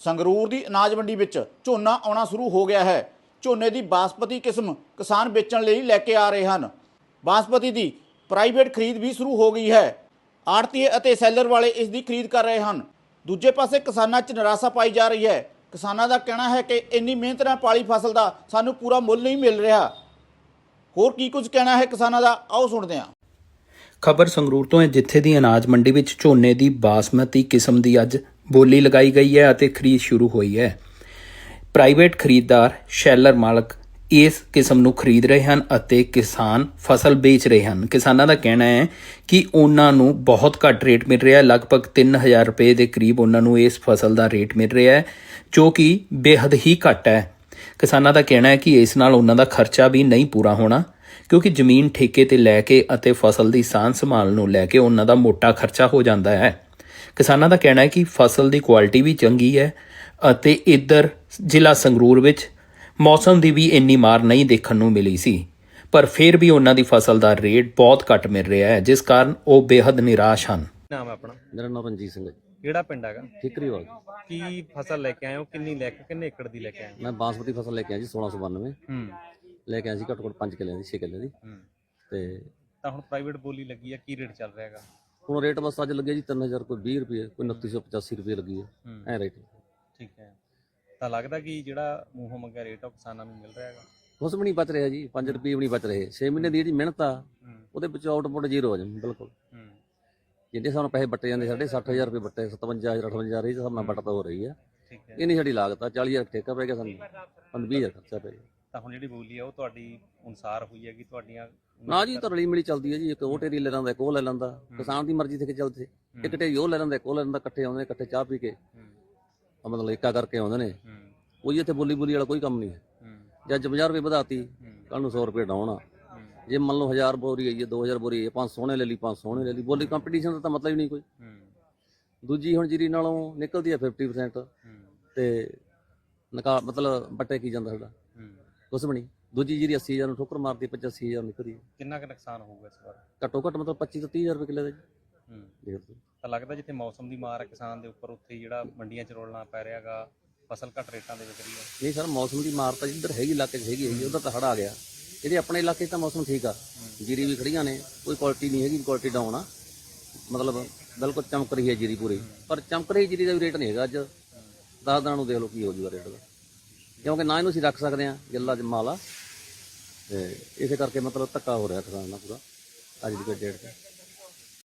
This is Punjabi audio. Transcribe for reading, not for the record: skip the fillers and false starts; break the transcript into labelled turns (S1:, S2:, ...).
S1: ਸੰਗਰੂਰ ਦੀ ਅਨਾਜ ਮੰਡੀ ਵਿੱਚ ਝੋਨਾ ਆਉਣਾ ਸ਼ੁਰੂ ਹੋ ਗਿਆ ਹੈ। ਝੋਨੇ ਦੀ ਬਾਸਮਤੀ ਕਿਸਮ ਕਿਸਾਨ ਵੇਚਣ ਲਈ ਲੈ ਕੇ ਆ ਰਹੇ ਹਨ। ਬਾਸਮਤੀ ਦੀ ਪ੍ਰਾਈਵੇਟ ਖਰੀਦ ਵੀ ਸ਼ੁਰੂ ਹੋ ਗਈ ਹੈ। ਆੜਤੀਏ ਅਤੇ ਸੈਲਰ ਵਾਲੇ ਇਸ ਦੀ ਖਰੀਦ ਕਰ ਰਹੇ ਹਨ। ਦੂਜੇ ਪਾਸੇ ਕਿਸਾਨਾਂ 'ਚ ਨਿਰਾਸ਼ਾ ਪਾਈ ਜਾ ਰਹੀ ਹੈ। ਕਿਸਾਨਾਂ ਦਾ ਕਹਿਣਾ ਹੈ ਕਿ ਇੰਨੀ ਮਿਹਨਤ ਨਾਲ ਪਾਲੀ ਫਸਲ ਦਾ ਸਾਨੂੰ ਪੂਰਾ ਮੁੱਲ ਨਹੀਂ ਮਿਲ ਰਿਹਾ। ਹੋਰ ਕੀ ਕੁਝ ਕਹਿਣਾ ਹੈ ਕਿਸਾਨਾਂ ਦਾ, ਆਓ ਸੁਣਦੇ ਹਾਂ।
S2: ਖਬਰ ਸੰਗਰੂਰ ਤੋਂ ਹੈ, ਜਿੱਥੇ ਦੀ ਅਨਾਜ ਮੰਡੀ ਵਿੱਚ ਝੋਨੇ ਦੀ ਬਾਸਮਤੀ ਕਿਸਮ ਦੀ ਅੱਜ ਬੋਲੀ ਲਗਾਈ ਗਈ ਹੈ ਅਤੇ ਖਰੀਦ ਸ਼ੁਰੂ ਹੋਈ ਹੈ। ਪ੍ਰਾਈਵੇਟ ਖਰੀਦਦਾਰ ਸ਼ੈਲਰ ਮਾਲਕ ਇਸ ਕਿਸਮ ਨੂੰ ਖਰੀਦ ਰਹੇ ਹਨ ਅਤੇ ਕਿਸਾਨ ਫਸਲ ਵੇਚ ਰਹੇ ਹਨ। ਕਿਸਾਨਾਂ ਦਾ ਕਹਿਣਾ ਹੈ ਕਿ ਉਹਨਾਂ ਨੂੰ ਬਹੁਤ ਘੱਟ ਰੇਟ ਮਿਲ ਰਿਹਾ ਹੈ। ਲਗਭਗ 3000 ਰੁਪਏ ਦੇ ਕਰੀਬ ਉਹਨਾਂ ਨੂੰ ਇਸ ਫਸਲ ਦਾ ਰੇਟ ਮਿਲ ਰਿਹਾ ਹੈ, ਜੋ ਕਿ ਬੇਹੱਦ ਹੀ ਘੱਟ ਹੈ। ਕਿਸਾਨਾਂ ਦਾ ਕਹਿਣਾ ਹੈ ਕਿ ਇਸ ਨਾਲ ਉਹਨਾਂ ਦਾ ਖਰਚਾ ਵੀ ਨਹੀਂ ਪੂਰਾ ਹੋਣਾ, ਕਿਉਂਕਿ ਜ਼ਮੀਨ ਠੇਕੇ ਤੇ ਲੈ ਕੇ ਅਤੇ ਫਸਲ ਦੀ ਸਾਂਭ ਸੰਭਾਲ ਨੂੰ ਲੈ ਕੇ ਉਹਨਾਂ ਦਾ ਮੋਟਾ ਖਰਚਾ ਹੋ ਜਾਂਦਾ ਹੈ। ਕਿਸਾਨਾਂ ਦਾ ਕਹਿਣਾ ਹੈ ਕਿ ਫਸਲ ਦੀ ਕੁਆਲਿਟੀ ਵੀ ਚੰਗੀ ਹੈ ਅਤੇ ਇੱਧਰ ਜ਼ਿਲ੍ਹਾ ਸੰਗਰੂਰ ਵਿੱਚ ਮੌਸਮ ਦੀ ਵੀ ਇੰਨੀ ਮਾਰ ਨਹੀਂ ਦੇਖਣ ਨੂੰ ਮਿਲੀ ਸੀ, ਪਰ ਫਿਰ ਵੀ ਉਹਨਾਂ ਦੀ ਫਸਲ ਦਾ ਰੇਟ ਬਹੁਤ ਘੱਟ ਮਿਲ ਰਿਹਾ ਹੈ, ਜਿਸ ਕਾਰਨ ਉਹ ਬੇਹੱਦ ਨਿਰਾਸ਼ ਹਨ।
S3: ਨਾਮ ਹੈ ਆਪਣਾ?
S4: ਮੇਰਾ ਨਾਮ ਰਣਜੀਤ ਸਿੰਘ ਹੈ।
S3: ਕਿਹੜਾ ਪਿੰਡ ਹੈਗਾ?
S4: ਠੀਕਰੀਵਾਲ।
S3: ਕੀ ਫਸਲ ਲੈ ਕੇ ਆਏ ਹੋ? ਕਿੰਨੇ ਏਕੜ ਦੀ ਲੈ ਕੇ ਆਏ ਹੋ?
S4: ਮੈਂ ਬਾਸਮਤੀ ਫਸਲ ਲੈ ਕੇ ਆਇਆ ਜੀ 1692 ਲੈ ਕੇ ਆਇਆ ਸੀ, ਘੱਟੋ ਘੱਟ 5 ਕਿੱਲਿਆਂ ਦੀ 6 ਕਿੱਲੇ ਦੀ। ਤੇ
S3: ਤਾਂ ਹੁਣ ਪ੍ਰਾਈਵੇਟ ਬੋਲੀ ਲੱਗੀ ਆ, ਕੀ ਰੇਟ ਚੱਲ ਰਿਹਾ ਹੈਗਾ?
S4: ਹੁਣ ਰੇਟ ਬਸ ਅੱਜ ਲੱਗਿਆ ਜੀ 3000, ਕੋਈ 20 ਰੁਪਏ, ਕੋਈ 2985 ਰੁਪਏ ਲੱਗੀ ਹੈ ਐ ਰੇਟ।
S3: ਠੀਕ ਹੈ, ਤਾਂ ਲੱਗਦਾ ਕਿ ਜਿਹੜਾ ਮੂੰਹੋਂ ਮੰਗਿਆ ਰੇਟ ਆ ਉਹ ਕਿਸਾਨਾਂ ਨੂੰ ਮਿਲ ਰਿਹਾ ਹੈਗਾ?
S4: ਕੁਛ ਵੀ ਨਹੀਂ ਬਚ ਰਿਹਾ ਜੀ, 5 ਰੁਪਏ ਵੀ ਨਹੀਂ ਬਚ ਰਹੇ। 6 ਮਹੀਨੇ ਦੀ ਜੀ ਮਿਹਨਤ ਆ, ਉਹਦੇ ਵਿੱਚ ਆਊਟਪੁੱਟ ਜ਼ੀਰੋ ਹੋ ਜਾਂਦਾ ਬਿਲਕੁਲ। ਜਿੰਨੇ ਸਾਨੂੰ ਪੈਸੇ ਵੱਟੇ ਜਾਂਦੇ, ਸਾਡੇ 60000 ਰੁਪਏ ਵੱਟੇ, 57000 58000 ਇਹ ਹਿਸਾਬ ਨਾਲ ਵੱਟ ਤਾਂ ਹੋ ਰਹੀ ਆ। ਇਹ ਨਹੀਂ ਸਾਡੀ ਲਾਗਤ ਆ। 40000 ਠੇਕਾ ਪੈ ਗਿਆ ਸਾਨੂੰ, 20000 ਖਰਚਾ ਪੈ ਗਿਆ।
S3: ਤਾਂ ਹੁਣ ਜਿਹੜੀ ਬੋਲੀ ਆ ਉਹ ਤੁਹਾਡੀ ਅਨੁਸਾਰ ਹੋਈ ਹੈ ਕਿ ਤੁਹਾਡੀਆਂ
S4: ਨਾ ਜੀ, ਤਾਂ ਰਲੀ ਮਿਲੀ ਚੱਲਦੀ ਹੈ ਜੀ। ਇੱਕ ਉਹ ਢੇਰੀ ਲੈ ਲੈਂਦਾ, ਇੱਕ ਉਹ ਲੈ ਲੈਂਦਾ। ਕਿਸਾਨ ਦੀ ਮਰਜ਼ੀ ਤੇ ਕਿ ਚੱਲਦੇ, ਇੱਕ ਢੇਰੀ ਉਹ ਲੈ ਲੈਂਦਾ, ਇੱਕ ਉਹ ਲੈ ਲੈਂਦਾ। ਇਕੱਠੇ ਆਉਂਦੇ ਨੇ, ਇਕੱਠੇ ਚਾਹ ਪੀ ਕੇ ਮਤਲਬ ਏਕਾ ਕਰਕੇ ਆਉਂਦੇ ਨੇ। ਕੋਈ ਇੱਥੇ ਬੋਲੀ ਵਾਲਾ ਕੋਈ ਕੰਮ ਨਹੀਂ ਹੈ। ਜੇ ਅੱਜ 50 ਰੁਪਏ ਵਧਾਤੀ, ਕੱਲ ਨੂੰ 100 ਰੁਪਏ ਡਾਉਣ ਆ। ਜੇ ਮੰਨ ਲਓ 1000 ਬੋਰੀ ਆਈ ਹੈ, 2000 ਬੋਰੀ ਆਈ ਹੈ, 500 ਸੋਹਣੇ ਲੈ ਲਈ, 500 ਸੋਹਣੇ ਲੈ ਲਈ। ਬੋਲੀ ਕੰਪੀਟੀਸ਼ਨ ਦਾ ਤਾਂ ਮਤਲਬ ਹੀ ਨਹੀਂ ਕੋਈ। ਦੂਜੀ ਹੁਣ ਜੀਰੀ ਨਾਲੋਂ ਨਿਕਲਦੀ ਹੈ 50% ਤੇ ਮਤਲਬ ਵੱਟੇ ਕੀ ਜਾਂਦਾ ਸਾਡਾ ਕੁਛ ਵੀ ਨਹੀਂ। ਦੂਜੀ ਜੀਰੀ 80000 ਨੂੰ ਠੋਕਰ ਮਾਰਦੀ, 85000 ਨਿਕਲਦੀ।
S3: ਕਿੰਨਾ ਕੁ ਨੁਕਸਾਨ ਹੋਊਗਾ ਇਸ ਵਾਰ?
S4: ਘੱਟੋ ਘੱਟ ਮਤਲਬ 25 ਤੋਂ 30000 ਰੁਪਏ ਕਿੱਲੇ ਦਾ ਜੀ।
S3: ਤਾਂ ਲੱਗਦਾ ਜਿੱਥੇ ਮੌਸਮ ਦੀ ਮਾਰ ਹੈ ਕਿਸਾਨ ਦੇ ਉੱਪਰ, ਉੱਥੇ ਜਿਹੜਾ ਮੰਡੀਆਂ 'ਚ ਰੋਲਣਾ ਪੈ ਰਿਹਾ ਹੈਗਾ, ਫਸਲ ਘੱਟ ਰੇਟਾਂ ਦੇ ਵਿਕ ਰਹੀ ਹੈ।
S4: ਨਹੀਂ ਸਰ, ਮੌਸਮ ਦੀ ਮਾਰ ਤਾਂ ਜਿੱਧਰ ਹੈਗੀ ਇਲਾਕੇ 'ਚ ਹੈਗੀ, ਉਹਦਾ ਤਾਂ ਹੜ ਆ ਗਿਆ। ਇਹਦੇ ਆਪਣੇ ਇਲਾਕੇ 'ਚ ਤਾਂ ਮੌਸਮ ਠੀਕ ਆ, ਜੀਰੀ ਵੀ ਖੜੀਆਂ ਨੇ, ਕੋਈ ਕੁਆਲਿਟੀ ਨਹੀਂ ਹੈਗੀ, ਕੁਆਲਿਟੀ ਡਾਊਨ ਆ। ਮਤਲਬ ਬਿਲਕੁਲ ਚਮਕ ਰਹੀ ਹੈ ਜੀਰੀ ਪੂਰੀ, ਪਰ ਚਮਕ ਰਹੀ ਜੀਰੀ ਦਾ ਵੀ ਰੇਟ ਨਹੀਂ ਹੈਗਾ। ਅੱਜ 10 ਦਿਨਾਂ ਨੂੰ ਦੇਖ ਲਓ ਕੀ ਹੋ ਜੂਗਾ ਰੇਟ ਦਾ, ਕਿਉਂਕਿ ਨਾ ਇਹਨੂੰ ਅਸੀਂ ਰੱਖ ਸਕਦੇ ਹਾਂ ਗਿੱਲਾ ਮਾਲ ਆ, ਤੇ ਇਸੇ ਕਰਕੇ ਮਤਲਬ ਧੱਕਾ ਹੋ ਰਿਹਾ ਕਿਸਾਨ ਨਾਲ ਪੂਰਾ ਅੱਜ ਦੀ ਡੇਟ 'ਤੇ।